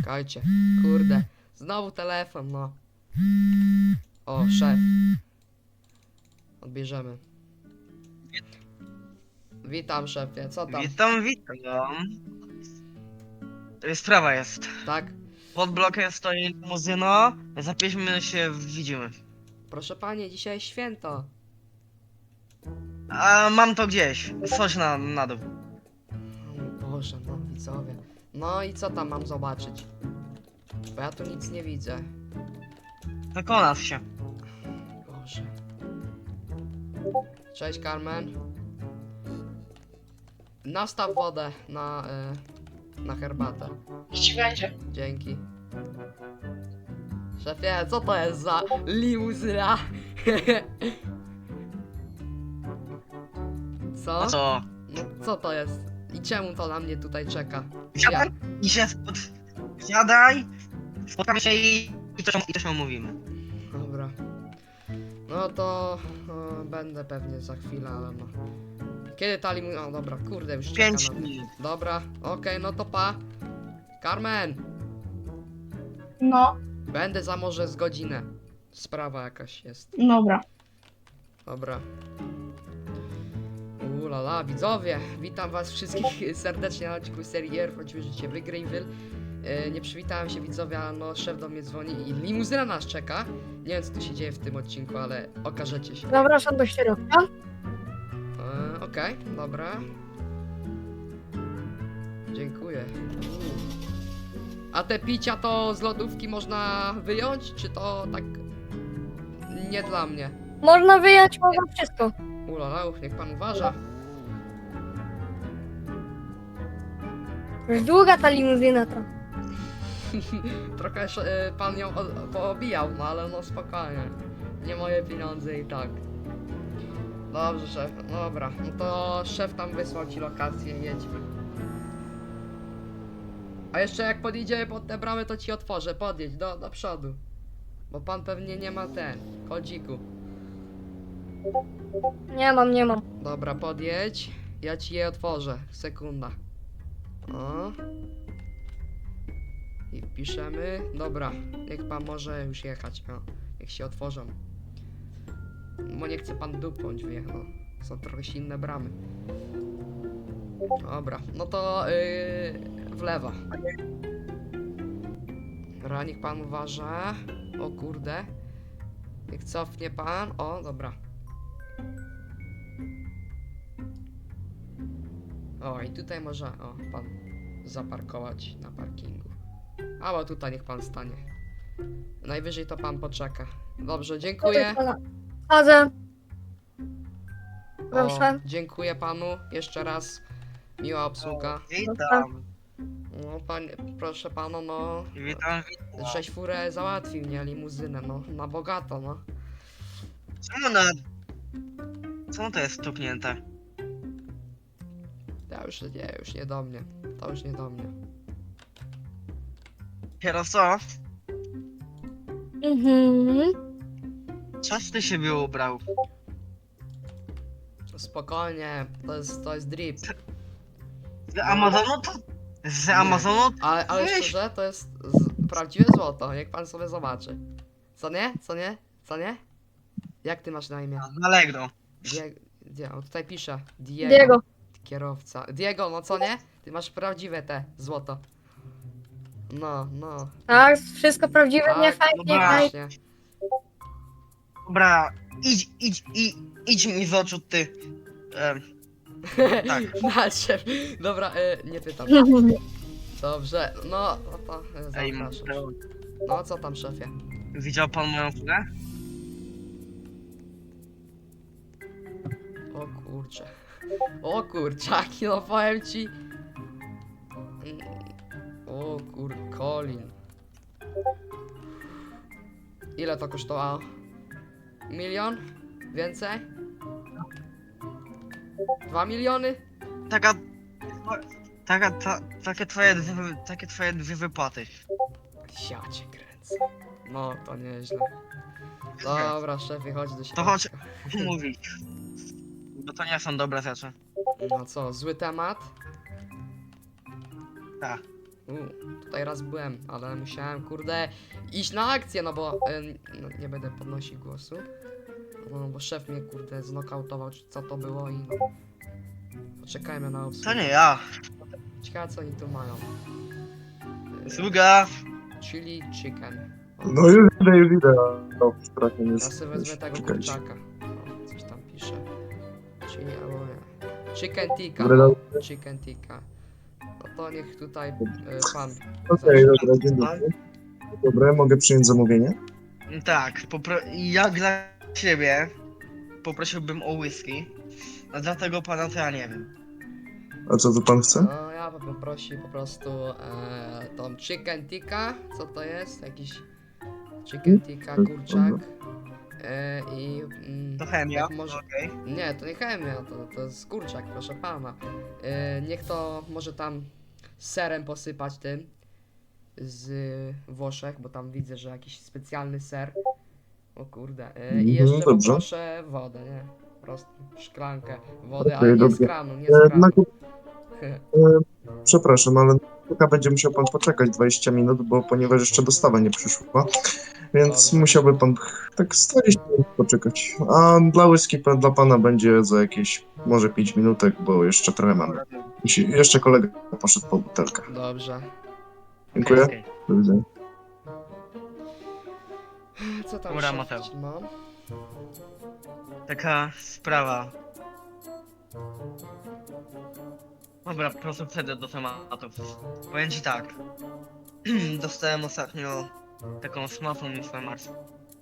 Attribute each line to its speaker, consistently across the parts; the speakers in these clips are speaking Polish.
Speaker 1: Czekajcie, kurde. Znowu telefon, no. O, szef. Odbierzemy. Witam, szefie, co tam?
Speaker 2: Witam. Sprawa jest.
Speaker 1: Tak?
Speaker 2: Pod blokiem stoi limuzyna. Za 5 minut się widzimy.
Speaker 1: Proszę panie, dzisiaj święto.
Speaker 2: A mam to gdzieś. Chodź na dół.
Speaker 1: O Boże, no widzowie. No i co tam mam zobaczyć? Bo ja tu nic nie widzę.
Speaker 2: Wykonasz się.
Speaker 1: Boże. Cześć, Carmen. Nastaw wodę na herbatę.
Speaker 3: Ci będzie.
Speaker 1: Dzięki. Szefie, co to jest za limuzyna? Co?
Speaker 2: No co?
Speaker 1: No co to jest? I czemu to na mnie tutaj czeka?
Speaker 2: Siadaj i się siadaj. Spotkamy się i coś omówimy.
Speaker 1: Dobra. No to będę pewnie za chwilę, ale no. Kiedy ta limuzyna? No dobra, kurde, już czeka
Speaker 2: 5
Speaker 1: na mnie.
Speaker 2: minut.
Speaker 1: Dobra, okej, no to pa. Carmen,
Speaker 3: No,
Speaker 1: będę za może z godzinę. Sprawa jakaś jest.
Speaker 3: dobra.
Speaker 1: Dobra. Lala, widzowie, witam was wszystkich serdecznie na odcinku serii R, choćby życie w Greenville. Nie przywitałem się, widzowie, a no szef do mnie dzwoni i limuzyna nas czeka. Nie wiem, co tu się dzieje w tym odcinku, ale okażecie się.
Speaker 3: Zapraszam do środka.
Speaker 1: Okej, dobra. Dziękuję. A te picia to z lodówki można wyjąć, czy to tak nie dla mnie?
Speaker 3: Można wyjąć, można wszystko.
Speaker 1: Ulala, niech pan uważa.
Speaker 3: Już długa ta limuzyna to.
Speaker 1: Trochę pan ją poobijał, no ale no spokojnie. Nie moje pieniądze i tak. Dobrze, szef. No dobra, no to szef tam wysłał ci lokację, jedźmy. A jeszcze jak podjedziemy pod te bramy, to ci otworzę. Podjedź do przodu. Bo pan pewnie nie ma kodziku.
Speaker 3: Nie mam.
Speaker 1: Dobra, podjedź. Ja ci je otworzę. Sekunda. O. I wpiszemy. Dobra, niech pan może już jechać. O, niech się otworzą. Bo nie chce pan dupnąć wyjechał. Są trochę inne bramy. Dobra, no to w lewo. Dobra, niech pan uważa. O kurde. Niech cofnie pan. O, dobra. O, i tutaj może, pan zaparkować na parkingu. Albo tutaj niech pan stanie. Najwyżej to pan poczeka. Dobrze, dziękuję.
Speaker 3: Chodzę.
Speaker 1: O,
Speaker 3: Proszę.
Speaker 1: dziękuję panu jeszcze raz. Miła obsługa.
Speaker 2: Witam.
Speaker 1: No, proszę pana, no.
Speaker 2: Witam.
Speaker 1: Żeś furę załatwił, nie? Limuzynę, no. Na bogato, no.
Speaker 2: Co to jest stuknięte?
Speaker 1: Ja już nie do mnie. To już nie do mnie.
Speaker 2: Kierowco,
Speaker 3: Mhm.
Speaker 2: coś ty siebie ubrał?
Speaker 1: Spokojnie, to jest drip.
Speaker 2: Z Amazonu to... Z
Speaker 1: Nie.
Speaker 2: Amazonu?
Speaker 1: Ale
Speaker 2: Weź.
Speaker 1: szczerze, to jest prawdziwe złoto, niech pan sobie zobaczy. Co nie? Co nie? Co nie? Jak ty masz na imię?
Speaker 2: Z Allegro.
Speaker 1: O, tutaj pisze.
Speaker 3: Diego.
Speaker 1: Kierowca. Diego, no co nie? Ty masz prawdziwe te złoto. No.
Speaker 3: Tak, wszystko prawdziwe, nie
Speaker 1: Tak,
Speaker 3: fajnie,
Speaker 2: no
Speaker 3: nie fajnie.
Speaker 1: Właśnie.
Speaker 2: Dobra, idź mi z oczu, ty. Tak.
Speaker 1: Nadszedł. Dobra, nie pytam. Dobrze, no to
Speaker 2: Ej,
Speaker 1: zapraszam. No co tam, szefie?
Speaker 2: widział pan moją furę?
Speaker 1: O kurcze. O kurczaki, no powiem ci. O Colin. Ile to kosztowało? 1 milion? Więcej? 2 miliony?
Speaker 2: Takie twoje dwie wypłaty.
Speaker 1: Ja cię kręcę. No, to nieźle. Dobra, szefie, chodź do środka.
Speaker 2: To chodź mówić. Bo to nie są dobre rzeczy.
Speaker 1: No co, zły temat?
Speaker 2: Tak.
Speaker 1: Tutaj raz byłem, ale musiałem, kurde, iść na akcję, no bo no, nie będę podnosił głosu. No bo szef mnie, kurde, znokautował, czy co to było i no. Poczekajmy na obsługę.
Speaker 2: To nie ja.
Speaker 1: Ciekawe co oni tu mają.
Speaker 2: Sługa.
Speaker 1: Chili chicken.
Speaker 4: No już idę. No, strasznie
Speaker 1: Ja
Speaker 4: jest.
Speaker 1: sobie wezmę tego
Speaker 4: Czekajcie.
Speaker 1: kurczaka. O, coś tam pisze. Chili albo nie. Chicken tikka.
Speaker 4: Dobra,
Speaker 1: No,
Speaker 4: dobra.
Speaker 1: chicken tikka. No to niech tutaj pan.
Speaker 4: Okej, dobra, dzień dobry. Dobra, mogę przyjąć zamówienie?
Speaker 2: Tak, ja dla siebie poprosiłbym o whisky. A dla tego pana to ja nie wiem.
Speaker 4: A co tu pan chce?
Speaker 1: No ja bym prosił po prostu tą chicken tikka. Co to jest? Jakiś chicken tikka, kurczak. I
Speaker 2: To chemia.
Speaker 1: jak może...
Speaker 2: Okej.
Speaker 1: Nie, to nie chemia, to jest kurczak, proszę pana. Niech to może tam serem posypać tym z Włoszech, bo tam widzę, że jakiś specjalny ser. O kurde. I jeszcze
Speaker 4: dobrze.
Speaker 1: poproszę wodę, nie? Po prostu szklankę wody,
Speaker 4: Okej,
Speaker 1: ale nie z
Speaker 4: dobrze.
Speaker 1: kranu, nie z kranu.
Speaker 4: Przepraszam, ale chyba będzie musiał pan poczekać 20 minut, bo ponieważ jeszcze dostawa nie przyszła. Więc
Speaker 1: Dobrze.
Speaker 4: musiałby pan tak 40 minut poczekać. A dla whisky dla pana będzie za jakieś może 5 minutek, bo jeszcze trochę mam. Jeszcze kolega poszedł po butelkę.
Speaker 1: Dobrze.
Speaker 4: Dziękuję.
Speaker 2: Okej.
Speaker 4: Do widzenia.
Speaker 1: Co tam
Speaker 2: Dobra,
Speaker 1: szef
Speaker 2: Mateusz.
Speaker 1: ci ma?
Speaker 2: Taka sprawa. Dobra, po prostu przejdę do tematów. Powiem ci tak. Dostałem ostatnio taką smartą informację.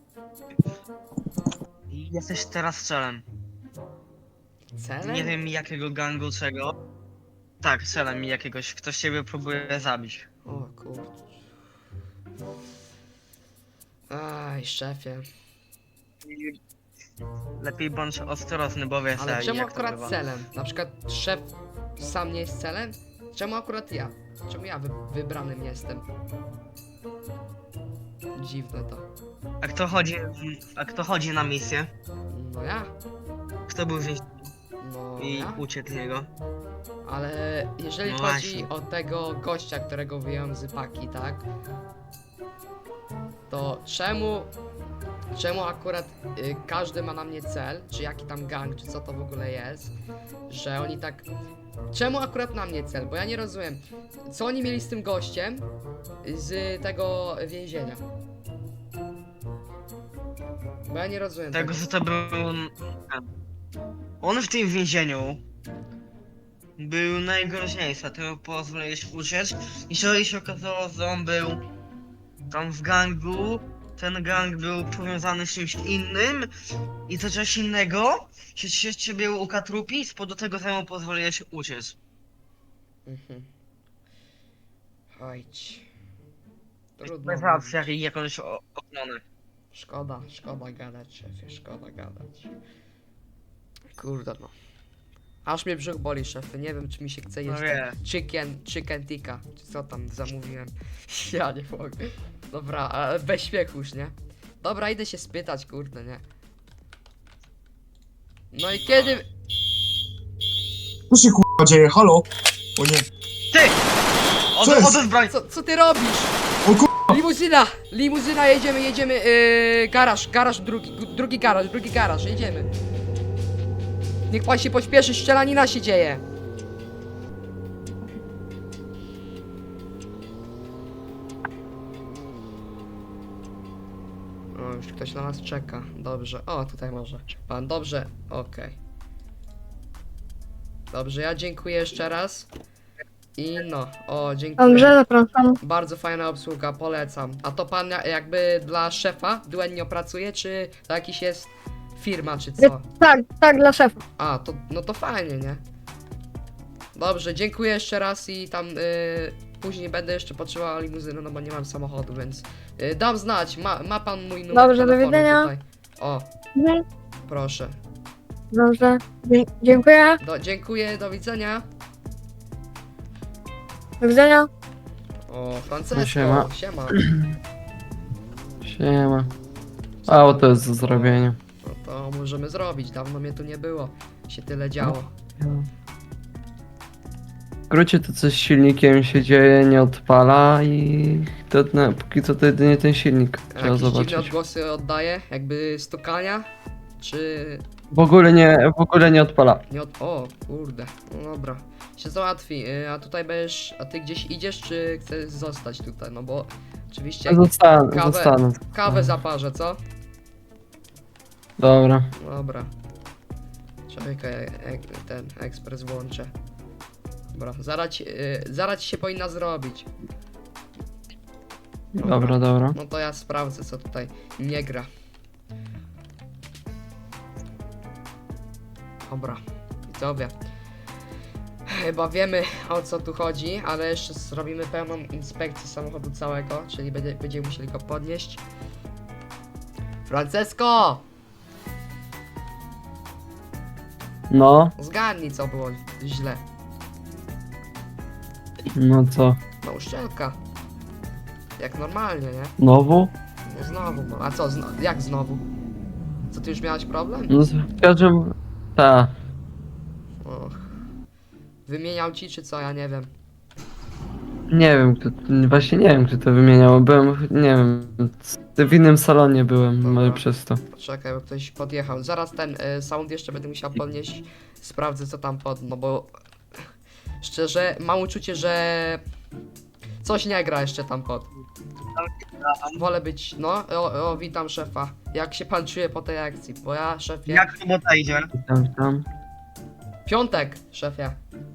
Speaker 2: I jesteś teraz strzelem.
Speaker 1: Celem?
Speaker 2: Nie wiem jakiego gangu, czego. Tak, strzelem mi jakiegoś. Ktoś ciebie próbuje zabić.
Speaker 1: O kurczę. Aj, szefie.
Speaker 2: I lepiej bądź ostrożny, bo wiesz
Speaker 1: Ale czemu
Speaker 2: jak to
Speaker 1: akurat
Speaker 2: bywa.
Speaker 1: celem? Na przykład szef sam nie jest celem? Czemu akurat ja? Czemu ja wybranym jestem? Dziwne to.
Speaker 2: A kto chodzi na misję?
Speaker 1: No ja?
Speaker 2: Kto był więźniem
Speaker 1: No
Speaker 2: i
Speaker 1: ja?
Speaker 2: uciekł z niego?
Speaker 1: Ale jeżeli
Speaker 2: No
Speaker 1: chodzi
Speaker 2: właśnie.
Speaker 1: o tego gościa, którego wyjąłem z paki, tak? To czemu akurat każdy ma na mnie cel, czy jaki tam gang, czy co to w ogóle jest, że oni tak... Czemu akurat na mnie cel? Bo ja nie rozumiem, co oni mieli z tym gościem z tego więzienia? Bo ja nie rozumiem
Speaker 2: Tego, że to był... On w tym więzieniu był najgroźniejszy, ty mu pozwoliłeś uciec. Jeżeli się okazało, że on był tam w gangu, ten gang był powiązany z czymś innym i to coś innego się ciebie ukatrupi, z powodu tego, że mu pozwoliłeś uciec.
Speaker 1: Mhm. Chodź. Trudno
Speaker 2: Bez
Speaker 1: mówić.
Speaker 2: racji, jak jakąś ochronę.
Speaker 1: Szkoda gadać, szefie, szkoda gadać. Kurde no. Aż mnie brzuch boli, szefie, nie wiem czy mi się chce
Speaker 2: No
Speaker 1: jeść
Speaker 2: wie.
Speaker 1: chicken tikka, czy co tam zamówiłem. Ja nie mogę. Dobra, ale bez śmiechu już, nie? Dobra, idę się spytać, kurde, nie? No i kiedy...
Speaker 4: Co się k***a dzieje? Halo? O nie.
Speaker 2: Ty!
Speaker 4: Co jest?
Speaker 2: Odejdź broń!
Speaker 1: Co ty robisz?
Speaker 4: O k***a!
Speaker 1: Limuzyna, jedziemy, garaż, drugi garaż, jedziemy. Niech pan się pośpieszy, strzelanina się dzieje. O, już ktoś na nas czeka, dobrze, o tutaj może, pan, dobrze, okej. Dobrze, ja dziękuję jeszcze raz. I no, o, dziękuję.
Speaker 3: Dobrze, zapraszam.
Speaker 1: Bardzo fajna obsługa, polecam. A to pan jakby dla szefa duennie pracuje, czy to jakiś jest firma, czy co?
Speaker 3: Tak, dla szefa.
Speaker 1: A, to, no to fajnie, nie? Dobrze, dziękuję jeszcze raz i tam później będę jeszcze potrzebował limuzyny, no bo nie mam samochodu, więc dam znać, ma pan mój numer
Speaker 3: Dobrze, do
Speaker 1: telefonu
Speaker 3: widzenia.
Speaker 1: tutaj. O,
Speaker 3: Mhm.
Speaker 1: proszę.
Speaker 3: Dobrze, dziękuję.
Speaker 1: Dziękuję, do widzenia.
Speaker 3: Do widzenia.
Speaker 1: O, Francesco,
Speaker 5: Siema.
Speaker 1: siema.
Speaker 5: Siema. Auto jest do zrobienia.
Speaker 1: No to możemy zrobić, dawno mnie tu nie było. Się tyle działo.
Speaker 5: skrócie to coś z silnikiem się dzieje, nie odpala i to, no, póki co to jedynie ten silnik trzeba
Speaker 1: Jakieś dziwne
Speaker 5: zobaczyć.
Speaker 1: odgłosy oddaje, jakby stukania, czy
Speaker 5: W ogóle nie odpala.
Speaker 1: nie od... O, kurde, no dobra. Się załatwi, a tutaj będziesz, a ty gdzieś idziesz, czy chcesz zostać tutaj, no bo oczywiście kawę-
Speaker 5: Zostanę.
Speaker 1: kawę zaparzę, co?
Speaker 5: Dobra.
Speaker 1: Dobra. Czekaj, ten ekspres włączę. Dobra, zaraz ci się powinna zrobić.
Speaker 5: Dobra, dobra.
Speaker 1: No to ja sprawdzę, co tutaj nie gra. Dobra, widzowie. Chyba wiemy, o co tu chodzi, ale jeszcze zrobimy pełną inspekcję samochodu całego, czyli będziemy musieli go podnieść. Francesco!
Speaker 5: No,
Speaker 1: Zgadnij, co było źle.
Speaker 5: no co?
Speaker 1: No uszczelka. Jak normalnie, nie?
Speaker 5: Znowu?
Speaker 1: No znowu, no. A co, jak znowu? Co, ty już miałeś problem?
Speaker 5: No w każdym... Ta.
Speaker 1: Och. Wymieniał ci, czy co? Ja nie wiem.
Speaker 5: Nie wiem, właśnie nie wiem, kto to wymieniał. Byłem, nie wiem, w innym salonie byłem,
Speaker 1: Dobra.
Speaker 5: może przez to.
Speaker 1: Poczekaj, bo ktoś podjechał. Zaraz ten sound jeszcze będę musiał podnieść. Sprawdzę, co tam no bo... Szczerze, mam uczucie, że... Coś nie gra jeszcze tam Wolę być, no, witam szefa. Jak się pan czuje po tej akcji? Bo ja, szefie...
Speaker 2: Jak robota idzie?
Speaker 5: Tam.
Speaker 1: Piątek, szefie.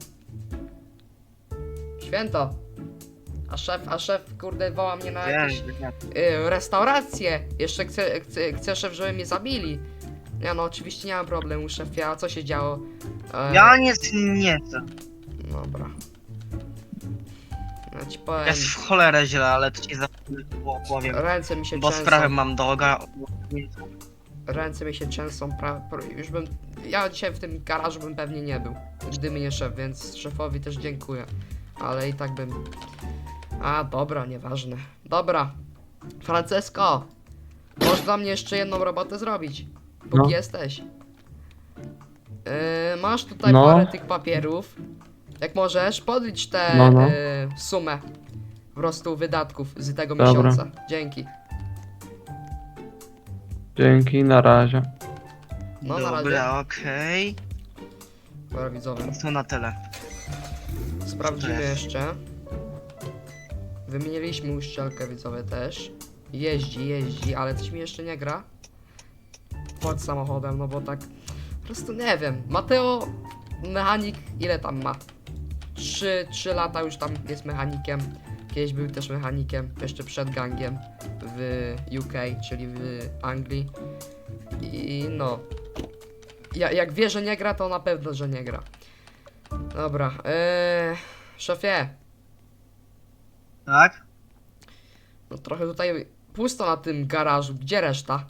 Speaker 1: Święto. A szef, kurde, woła mnie na jakieś restaurację. Jeszcze chce szef, żeby mnie zabili. Ja no, oczywiście nie mam problemu, szefie. A co się działo?
Speaker 2: Ja nie chcę.
Speaker 1: Dobra. Ja ci powiem,
Speaker 2: Jest w cholerę źle, ale to ci powiem.
Speaker 1: ręce mi się
Speaker 2: Bo
Speaker 1: trzęsą.
Speaker 2: sprawę mam do
Speaker 1: Ręce mi się trzęsą, już bym... Ja dzisiaj w tym garażu bym pewnie nie był, gdyby nie szef, więc szefowi też dziękuję. Ale i tak bym... A, dobra, nieważne. Dobra. Francesco! Możesz dla mnie jeszcze jedną robotę zrobić, póki
Speaker 5: No.
Speaker 1: jesteś. Masz tutaj
Speaker 5: No.
Speaker 1: parę tych papierów. Jak możesz, podlicz tę
Speaker 5: No.
Speaker 1: sumę po prostu wydatków z tego
Speaker 5: Dobra.
Speaker 1: miesiąca. Dzięki.
Speaker 5: Dzięki, na razie.
Speaker 1: No, na razie.
Speaker 2: Dobra, okej.
Speaker 1: Dobra, widzowie.
Speaker 2: To na tyle.
Speaker 1: Sprawdzimy
Speaker 2: Cześć.
Speaker 1: jeszcze. Wymieniliśmy uszczelkę, widzowie też. Jeździ, ale coś mi jeszcze nie gra. Pod samochodem, no bo tak... Po prostu nie wiem. Mateo, mechanik, ile tam ma? 3 lata już tam jest mechanikiem. Kiedyś był też mechanikiem, jeszcze przed gangiem w UK, czyli w Anglii. I no... Jak wie, że nie gra, to na pewno, że nie gra. Dobra, szefie,
Speaker 2: Tak?
Speaker 1: no trochę tutaj pusto na tym garażu, gdzie reszta?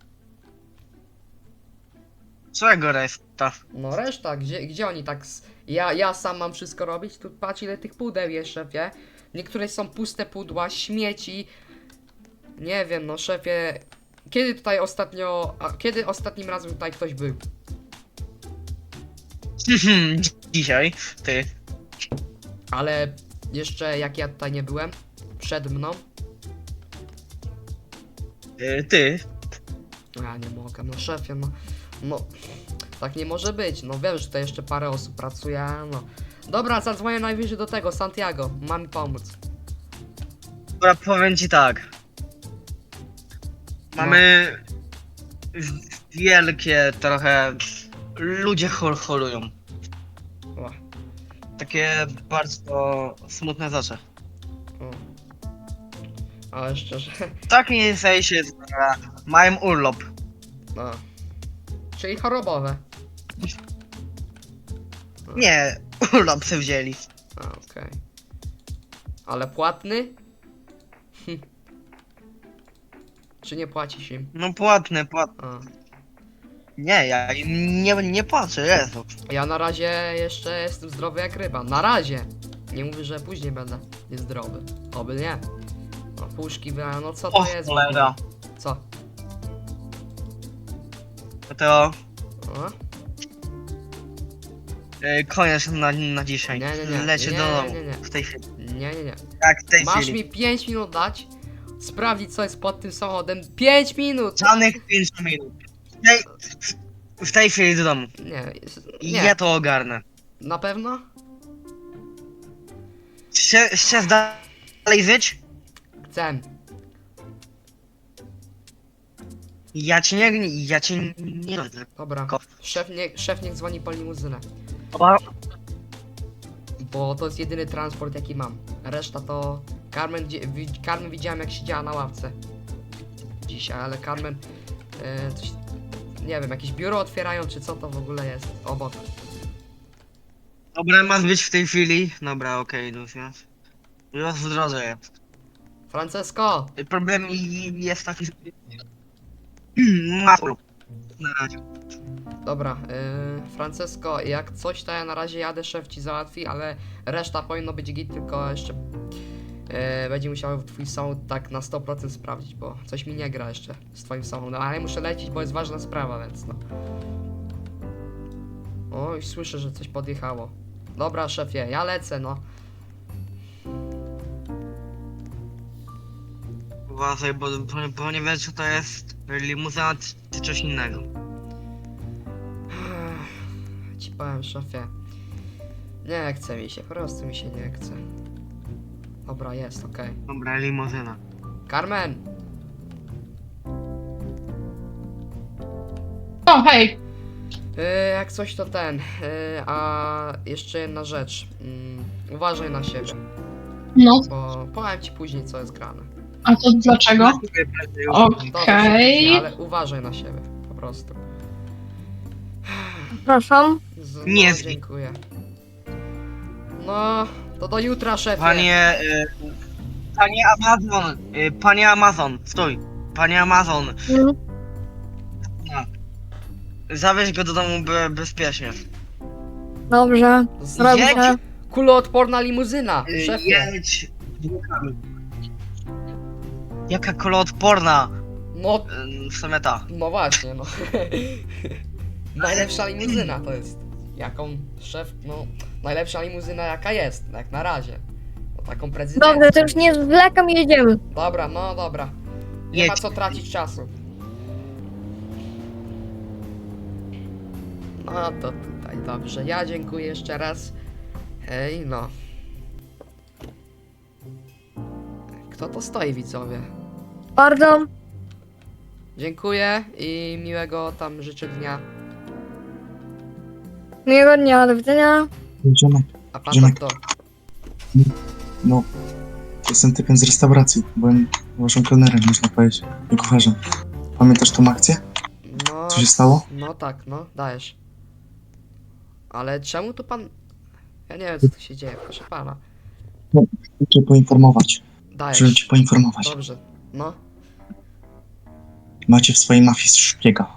Speaker 2: Czego reszta?
Speaker 1: No reszta, gdzie oni tak, ja sam mam wszystko robić? Tu patrz ile tych pudeł jest, szefie. Niektóre są puste pudła, śmieci. Nie wiem, no szefie, kiedy ostatnim razem tutaj ktoś był?
Speaker 2: Dzisiaj, ty.
Speaker 1: Ale jeszcze jak ja tutaj nie byłem, przed mną,
Speaker 2: Ty.
Speaker 1: ja nie mogę, no szefie, no, tak nie może być, no wiem, że tutaj jeszcze parę osób pracuje, no. Dobra, zadzwonię najwyżej do tego, Santiago, ma mi pomóc.
Speaker 2: Dobra, powiem ci tak. Mamy wielkie trochę... Ludzie holują.
Speaker 1: O,
Speaker 2: Takie bardzo smutne rzeczy.
Speaker 1: o. Ale szczerze,
Speaker 2: Tak nie sensie, że mają urlop.
Speaker 1: no. Czyli chorobowe.
Speaker 2: Nie, urlop se wzięli.
Speaker 1: A, okej. Ale płatny? Czy nie płacisz im?
Speaker 2: No płatne.
Speaker 1: A.
Speaker 2: Nie, ja im nie płacę, Jezu.
Speaker 1: Ja na razie jeszcze jestem zdrowy jak ryba. Na razie! Nie mówię, że później będę niezdrowy. Oby nie. No puszki wyjechałem, no co
Speaker 2: O
Speaker 1: to jest?
Speaker 2: cholera.
Speaker 1: Co?
Speaker 2: To
Speaker 1: O?
Speaker 2: Koniec na dzisiaj.
Speaker 1: Nie, nie, nie.
Speaker 2: Lecie
Speaker 1: Nie,
Speaker 2: do domu.
Speaker 1: nie, nie.
Speaker 2: W tej chwili.
Speaker 1: Nie, nie, nie.
Speaker 2: Tak, w tej
Speaker 1: Masz
Speaker 2: chwili.
Speaker 1: mi 5 minut dać, sprawdzić co jest pod tym samochodem. 5 minut!
Speaker 2: Żadnych 5 minut. W tej chwili do domu.
Speaker 1: Nie,
Speaker 2: I
Speaker 1: nie.
Speaker 2: ja to ogarnę.
Speaker 1: Na pewno?
Speaker 2: Chcesz dalej żyć?
Speaker 1: Chcę.
Speaker 2: Ja cię nie rodzę.
Speaker 1: Dobra. Szef niech dzwoni po limuzynę. Bo to jest jedyny transport jaki mam. Reszta to... Carmen widziałem jak siedziała na ławce. Dzisiaj, ale Carmen... coś, nie wiem, jakieś biuro otwierają czy co to w ogóle jest obok.
Speaker 2: Dobra, masz być w tej chwili. Dobra, okej, już. Już w drodze jest.
Speaker 1: Francesco!
Speaker 2: Problem jest taki, że... Masz na razie.
Speaker 1: Dobra, Francesco, jak coś to ja na razie jadę, szef ci załatwi, ale reszta powinno być git, tylko jeszcze będzie musiał twój samochód tak na 100% sprawdzić, bo coś mi nie gra jeszcze z twoim samochodem, ale muszę lecieć, bo jest ważna sprawa, więc no. O, już słyszę, że coś podjechało. Dobra, szefie, ja lecę, no.
Speaker 2: Uważaj, bo nie wiesz, czy to jest limuzyna, czy coś innego.
Speaker 1: Ci powiem, szefie. Nie chce mi się, po prostu mi się nie chce. Dobra, jest, okej.
Speaker 2: Dobra, limuzyna.
Speaker 1: Carmen!
Speaker 6: O, hej!
Speaker 1: Jak coś to ten. A jeszcze jedna rzecz. Uważaj na siebie,
Speaker 6: No,
Speaker 1: bo powiem ci później co jest grane.
Speaker 6: a to dlaczego?
Speaker 1: Dobrze,
Speaker 6: Okej.
Speaker 1: ale uważaj na siebie, po prostu.
Speaker 3: Przepraszam.
Speaker 2: Nie
Speaker 1: No,
Speaker 2: zgin.
Speaker 1: dziękuję. No, to do jutra, szefie.
Speaker 2: Panie Amazon, panie Amazon, stój. Panie Amazon,
Speaker 3: Mhm.
Speaker 2: zawieź go do domu bezpiecznie.
Speaker 3: Dobrze. Robię.
Speaker 2: Jedź,
Speaker 1: Kuloodporna limuzyna, szefie.
Speaker 2: jedź. Jaka koloodporna?
Speaker 1: No,
Speaker 2: W sumie ta.
Speaker 1: no właśnie, no. Najlepsza limuzyna to jest. Jaką szef, no, najlepsza limuzyna jaka jest, jak na razie. No, taką prezydencką.
Speaker 3: Dobrze, to już nie zwlekam, jedziemy.
Speaker 1: Dobra, no dobra. Nie ma
Speaker 2: Jedź.
Speaker 1: co tracić czasu. No to tutaj dobrze. Ja dziękuję jeszcze raz. Hej, no. Kto to stoi, widzowie?
Speaker 3: Bardzo.
Speaker 1: Dziękuję i miłego tam życzę dnia.
Speaker 3: Miłego dnia, do widzenia.
Speaker 4: Idziemy.
Speaker 1: A pan
Speaker 4: Ziemek.
Speaker 1: to.
Speaker 4: No, jestem typem z restauracji. Byłem waszym kelnerem, można powiedzieć. I kucharzem. Pamiętasz tą akcję?
Speaker 1: No.
Speaker 4: Co się stało?
Speaker 1: No tak, no, dajesz. Ale czemu tu pan. Ja nie wiem co tu się dzieje, proszę pana.
Speaker 4: Chcę cię poinformować. Żeby
Speaker 1: Dajesz.
Speaker 4: cię poinformować.
Speaker 1: Dobrze. No.
Speaker 4: Macie w swojej mafii szpiega.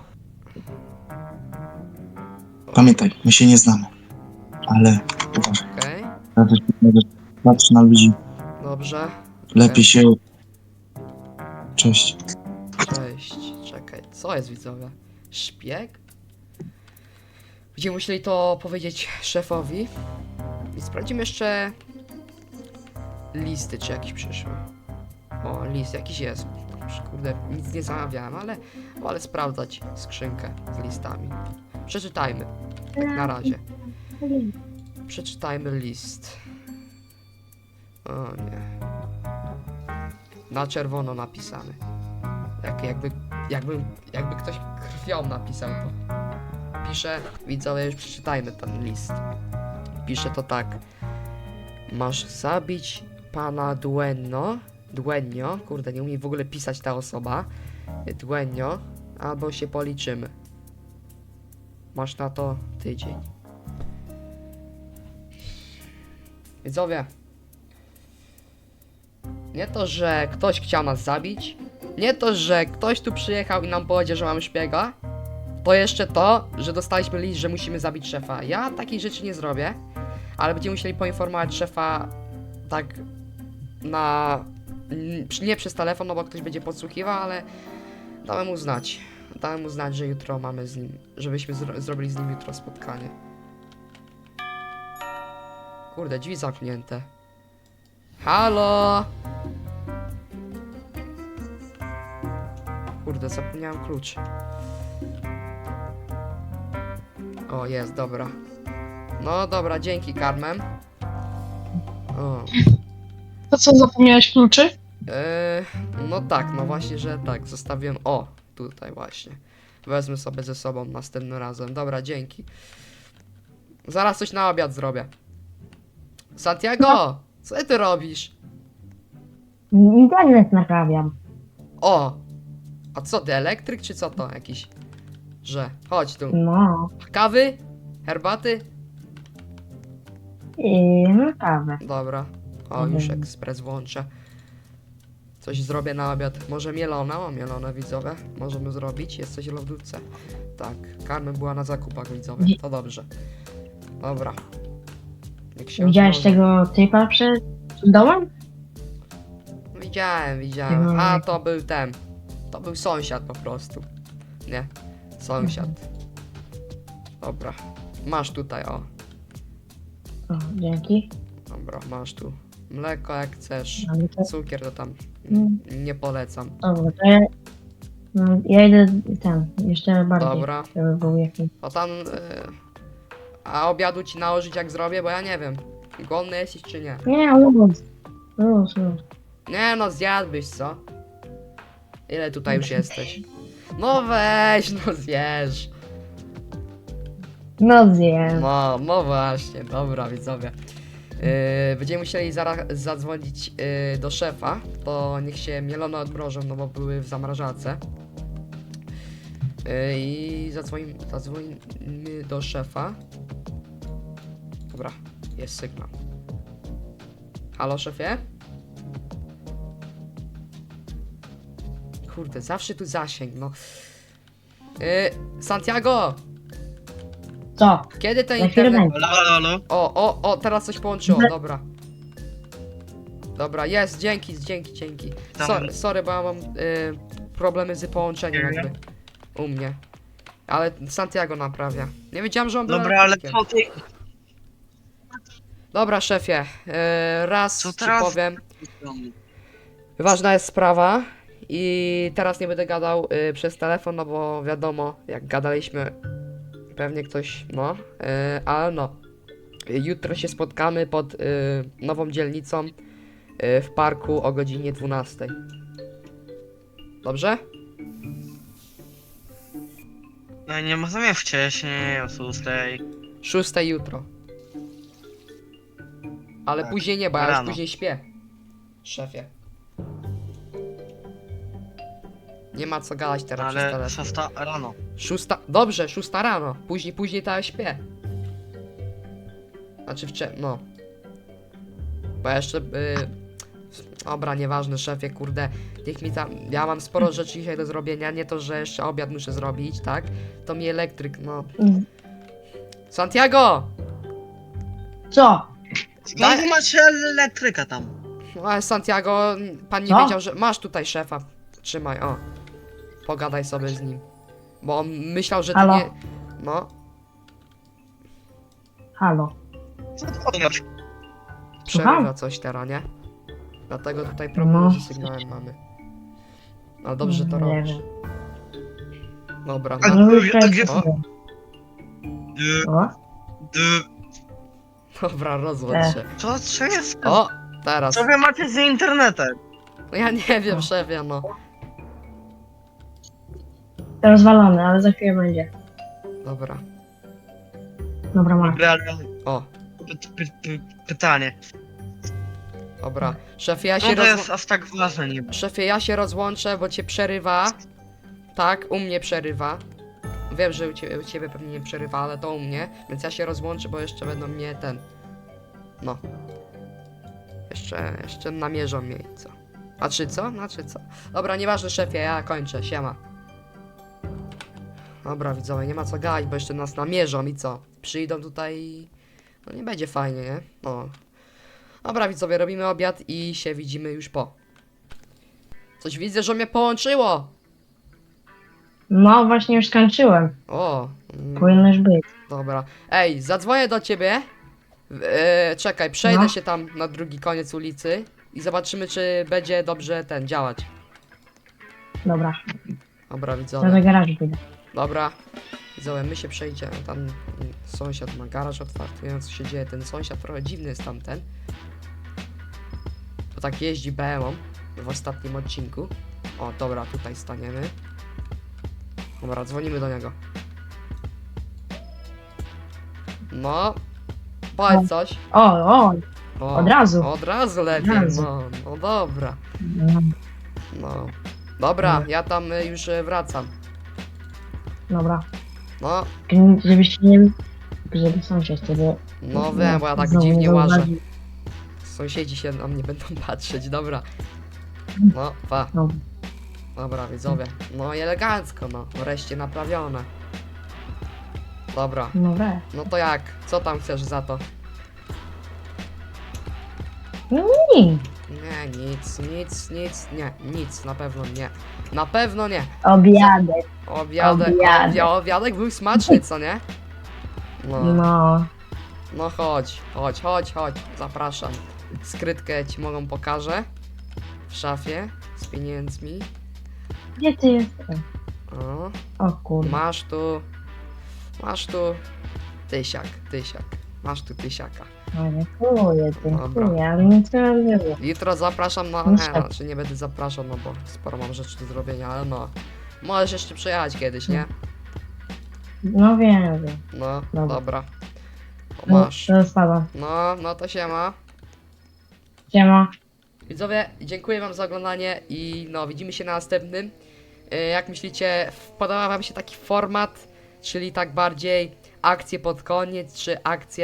Speaker 4: Pamiętaj, my się nie znamy. Ale uważaj.
Speaker 1: Okej.
Speaker 4: Patrz na ludzi.
Speaker 1: Dobrze.
Speaker 4: Lepiej się... Cześć.
Speaker 1: Cześć, czekaj, co jest widzowie? Szpieg? Będziemy musieli to powiedzieć szefowi. I sprawdzimy jeszcze listy, czy jakieś przyszły. O, list jakiś jest. Już, kurde, nic nie zamawiałem, ale wolę sprawdzać skrzynkę z listami. Przeczytajmy, na razie. Przeczytajmy list. O nie. Na czerwono napisany. Jakby ktoś krwią napisał to. Pisze, widzowie, już przeczytajmy ten list. Pisze to tak. Masz zabić pana Duenio, kurde, nie umie w ogóle pisać ta osoba. Duenio, albo się policzymy. Masz na to tydzień. Widzowie. Nie to, że ktoś chciał nas zabić. Nie to, że ktoś tu przyjechał i nam powiedział, że mamy szpiega. To jeszcze to, że dostaliśmy list, że musimy zabić szefa. Ja takiej rzeczy nie zrobię. Ale będziemy musieli poinformować szefa tak na... Nie przez telefon, no bo ktoś będzie podsłuchiwał, ale dałem mu znać. Dałem mu znać, że jutro mamy z nim, żebyśmy zrobili z nim jutro spotkanie. Kurde, drzwi zamknięte. Halo? Kurde, zapomniałem klucz. O, jest, dobra. No dobra, dzięki, Carmen. O.
Speaker 6: To co, zapomniałeś kluczy?
Speaker 1: No tak, no właśnie, że tak, zostawiłem, o, tutaj właśnie. Wezmę sobie ze sobą następnym razem. Dobra, dzięki. Zaraz coś na obiad zrobię. Santiago, co ty robisz?
Speaker 7: Internet naprawiam.
Speaker 1: O! A co ty, elektryk czy co to jakiś? Że, chodź tu.
Speaker 7: No.
Speaker 1: Kawy? Herbaty?
Speaker 7: I no kawę.
Speaker 1: Dobra. O, już ekspres włączę. Coś zrobię na obiad. Może mielona? O, mielone widzowie. Możemy zrobić. Jest coś w lodówce. Tak. Carmen była na zakupach widzowie. To dobrze. Dobra. Niech się
Speaker 7: Widziałeś
Speaker 1: odmrozi.
Speaker 7: tego typa przed domem?
Speaker 1: Widziałem. A, to był ten. To był sąsiad po prostu. Nie. Sąsiad. Dobra. Masz tutaj, o.
Speaker 7: O, dzięki.
Speaker 1: Dobra, masz tu. Mleko jak chcesz.
Speaker 7: Ale to,
Speaker 1: Cukier to tam nie polecam.
Speaker 7: dobra, to ja, no, ja idę ten, jeszcze bardziej.
Speaker 1: Dobra.
Speaker 7: Żeby był jakiś.
Speaker 1: To tam... a obiadu ci nałożyć jak zrobię, bo ja nie wiem. Głodny jesteś czy nie?
Speaker 7: Nie, luz. Luz.
Speaker 1: Nie no, zjadłbyś, co? Ile tutaj już jesteś? No weź, no zjesz.
Speaker 7: No zjem.
Speaker 1: No właśnie, dobra widzowie. Będziemy musieli zaraz zadzwonić do szefa, to niech się mielone odmrożą, no bo były w zamrażarce. I zadzwonimy do szefa. Dobra, jest sygnał. Halo szefie? Kurde, zawsze tu zasięg, no. Santiago!
Speaker 7: Co?
Speaker 1: Kiedy ten
Speaker 7: Za chwilę
Speaker 1: internet...
Speaker 7: będzie.
Speaker 2: Halo?
Speaker 1: O, teraz coś połączyło, dobra. Dobra, jest, dzięki.
Speaker 2: Tam-
Speaker 1: Sorry, bo ja mam problemy z połączeniem
Speaker 2: Nie.
Speaker 1: jakby u mnie. Ale Santiago naprawia. Nie wiedziałem, że on był
Speaker 2: Dobra, ale
Speaker 1: elektrykiem.
Speaker 2: co ty?
Speaker 1: Dobra, szefie, raz
Speaker 2: Co
Speaker 1: ci
Speaker 2: teraz?
Speaker 1: powiem. Ważna jest sprawa i teraz nie będę gadał przez telefon, no bo wiadomo, jak gadaliśmy, pewnie ktoś, no, ale no. Jutro się spotkamy pod nową dzielnicą w parku o godzinie 12. Dobrze?
Speaker 2: No nie możemy wcześniej, o 6.
Speaker 1: 6 jutro. Ale
Speaker 2: Tak,
Speaker 1: później nie, bo ja już
Speaker 2: rano.
Speaker 1: później śpię. Szefie. Nie ma co gadać teraz przez
Speaker 2: Ale
Speaker 1: telefon.
Speaker 2: 6 rano.
Speaker 1: 6. Dobrze, 6 rano. Później to ja śpię. Znaczy no. Bo ja jeszcze... Dobra, nieważne, szefie, kurde. Niech mi tam... Ja mam sporo rzeczy dzisiaj do zrobienia. Nie to, że jeszcze obiad muszę zrobić, tak? To mi elektryk, no. Santiago!
Speaker 7: Co?
Speaker 2: Skąd macie elektryka tam?
Speaker 1: No, ale Santiago, pan nie
Speaker 7: Co?
Speaker 1: wiedział, że... Masz tutaj szefa. Trzymaj, o. Pogadaj sobie z nim. Bo on myślał, że ty
Speaker 7: Halo?
Speaker 1: nie... No.
Speaker 7: Halo.
Speaker 2: Co ty robisz?
Speaker 1: Przerywa
Speaker 7: Słucham?
Speaker 1: coś teraz, nie? Dlatego tutaj problem
Speaker 7: No.
Speaker 1: z sygnałem mamy. Ale dobrze, że to
Speaker 7: Nie
Speaker 1: robisz.
Speaker 7: wiem.
Speaker 1: Dobra,
Speaker 2: A
Speaker 1: no,
Speaker 7: No już
Speaker 2: a gdzie-
Speaker 1: O.
Speaker 7: O?
Speaker 1: dobra, rozłącz się.
Speaker 2: Co jest?
Speaker 1: O, teraz.
Speaker 2: Co wy macie z internetem?
Speaker 1: No ja nie wiem, szefie, no.
Speaker 7: Rozwalony, ale za chwilę będzie.
Speaker 1: Dobra.
Speaker 7: Dobra, masz.
Speaker 2: Dobra, ale
Speaker 1: O,
Speaker 2: pytanie.
Speaker 1: dobra. Szefie, ja
Speaker 2: No
Speaker 1: się
Speaker 2: to jest aż tak ważne niby.
Speaker 1: Szefie, ja się rozłączę, bo cię przerywa. Tak, u mnie przerywa. Wiem, że u ciebie pewnie nie przerywa, ale to u mnie. Więc ja się rozłączę, bo jeszcze będą mnie ten... No. Jeszcze namierzą mnie i co. Znaczy co? Dobra, nieważne szefie, ja kończę, siema. Dobra widzowie, nie ma co gadać, bo jeszcze nas namierzą i co? Przyjdą tutaj i... No nie będzie fajnie, nie? No. Dobra widzowie, robimy obiad i się widzimy już po. Coś widzę, że mnie połączyło!
Speaker 7: No właśnie już skończyłem.
Speaker 1: O,
Speaker 7: Powinnoś być.
Speaker 1: dobra. Ej, zadzwonię do ciebie Czekaj, przejdę
Speaker 7: No.
Speaker 1: się tam na drugi koniec ulicy i zobaczymy, czy będzie dobrze działać.
Speaker 7: Dobra,
Speaker 1: Dobra,
Speaker 7: to do
Speaker 1: widzowie.
Speaker 7: garażu pójdę.
Speaker 1: Dobra. Widzowie, my się przejdziemy. Tam sąsiad ma garaż otwarty, nie wiem co się dzieje. Ten sąsiad trochę dziwny jest tamten. To tak jeździ BM-ą w ostatnim odcinku. O, dobra, tutaj staniemy. Dobra, dzwonimy do niego. No. Powiedz coś.
Speaker 7: O,
Speaker 1: O,
Speaker 7: od razu.
Speaker 1: Od razu lepiej,
Speaker 7: Od razu.
Speaker 1: no dobra.
Speaker 7: No,
Speaker 1: No. Dobra, ja tam już wracam.
Speaker 7: dobra.
Speaker 1: No,
Speaker 7: Żebyś nie... Żeby sąsiad wtedy...
Speaker 1: no wiem, bo ja tak
Speaker 7: znowu nie
Speaker 1: dziwnie łażę.
Speaker 7: zauważył.
Speaker 1: Sąsiedzi się na mnie będą patrzeć, dobra. No, pa.
Speaker 7: No.
Speaker 1: Dobra, widzowie. No i elegancko, no. Wreszcie naprawione. Dobra,
Speaker 7: Dobra.
Speaker 1: no to jak? Co tam chcesz za to?
Speaker 7: Nie.
Speaker 1: Nie, nic, nie, nic, na pewno nie. Na pewno nie.
Speaker 7: Obiadek.
Speaker 1: Obiadek,
Speaker 7: Obiadek.
Speaker 1: obiadek był smaczny, co nie? No,
Speaker 7: No.
Speaker 1: no chodź, zapraszam. Skrytkę ci mogą pokażę. W szafie, z pieniędzmi.
Speaker 7: Gdzie ty jesteś?
Speaker 1: O.
Speaker 7: O kurde.
Speaker 1: Masz tu tysiak. Masz tu tysiaka.
Speaker 7: No, dziękuję,
Speaker 1: Dobra.
Speaker 7: dziękuję, ale nic nie było.
Speaker 1: Jutro zapraszam na...
Speaker 7: No
Speaker 1: Nie,
Speaker 7: tak.
Speaker 1: znaczy nie będę zapraszał, no bo sporo mam rzeczy do zrobienia, ale no. Możesz jeszcze przyjechać kiedyś, nie?
Speaker 7: No wiem, wiem.
Speaker 1: No,
Speaker 7: Dobra.
Speaker 1: dobra. O,
Speaker 7: No,
Speaker 1: masz.
Speaker 7: to spadam.
Speaker 1: No to siema.
Speaker 7: Siema.
Speaker 1: Widzowie, dziękuję wam za oglądanie i no, widzimy się na następnym. Jak myślicie, podoba wam się taki format, czyli tak bardziej akcje pod koniec, czy akcje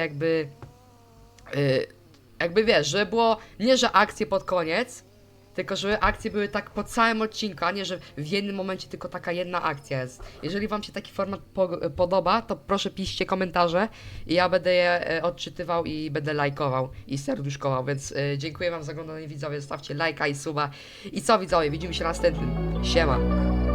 Speaker 1: jakby wiesz, żeby było, nie że akcje pod koniec, tylko żeby akcje były tak po całym odcinku, a nie że w jednym momencie tylko taka jedna akcja jest. Jeżeli wam się taki format podoba, to proszę piszcie komentarze i ja będę je odczytywał i będę lajkował i serduszkował, więc dziękuję wam za oglądanie, widzowie, zostawcie lajka i suba. I co, widzowie, widzimy się na następnym. Siema.